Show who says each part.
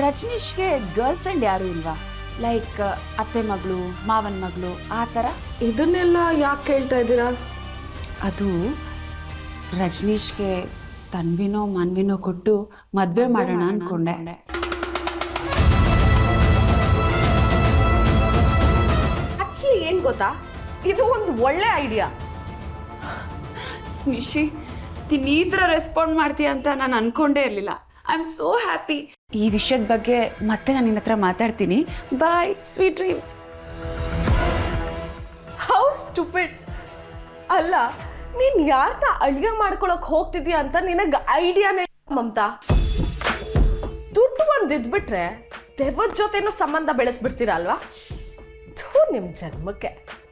Speaker 1: ರಜನೀಶ್ಗೆ girl friend ಯಾರು ಇಲ್ವಾ? Like ಅತ್ತೆ ಮಗಳು, ಮಾವನ ಮಗಳು ಆ ಥರ?
Speaker 2: ಇದನ್ನೆಲ್ಲ ಯಾಕೆ ಕೇಳ್ತಾ ಇದ್ದೀರಾ?
Speaker 1: ಅದು ರಜನೀಶ್ಗೆ ತನ್ವಿನೋ ಮನ್ವಿನೋ ಕೊಟ್ಟು ಮದುವೆ ಮಾಡೋಣ ಅಂದ್ಕೊಂಡೆ.
Speaker 2: ಆಕ್ಚುಲಿ ಏನು ಗೊತ್ತಾ, ಇದು ಒಂದು ಒಳ್ಳೆ ಐಡಿಯಾ.
Speaker 1: ನಿಶಿ, ನೀನು ಈ ಥರ ರೆಸ್ಪಾಂಡ್ ಮಾಡ್ತೀಯ ಅಂತ ನಾನು ಅನ್ಕೊಂಡೇ ಇರಲಿಲ್ಲ. I am so happy. ಈ ವಿಷಯದ ಬಗ್ಗೆ ಮತ್ತೆ ನಾನು ನಿನ್ನ ಹತ್ರ ಮಾತಾಡ್ತೀನಿ. Bye, sweet dreams.
Speaker 2: How stupid. ಅಲ್ಲ, ನೀನ್ ಯಾರನ್ನ ಅಳಿಯ ಮಾಡ್ಕೊಳಕ್ ಹೋಗ್ತಿದ್ಯಾ ಅಂತ ನಿನಗೆ ಐಡಿಯಾನೇ ಮಮತಾ. ದುಡ್ಡು ಒಂದು ಇದ್ಬಿಟ್ರೆ ದೆವ್ವದ ಜೊತೆನೂ ಸಂಬಂಧ ಬೆಳೆಸ್ಬಿಡ್ತೀರಾ ಅಲ್ವಾ? ಥೂ, ನಿಮ್ ಜನ್ಮಕ್ಕೆ.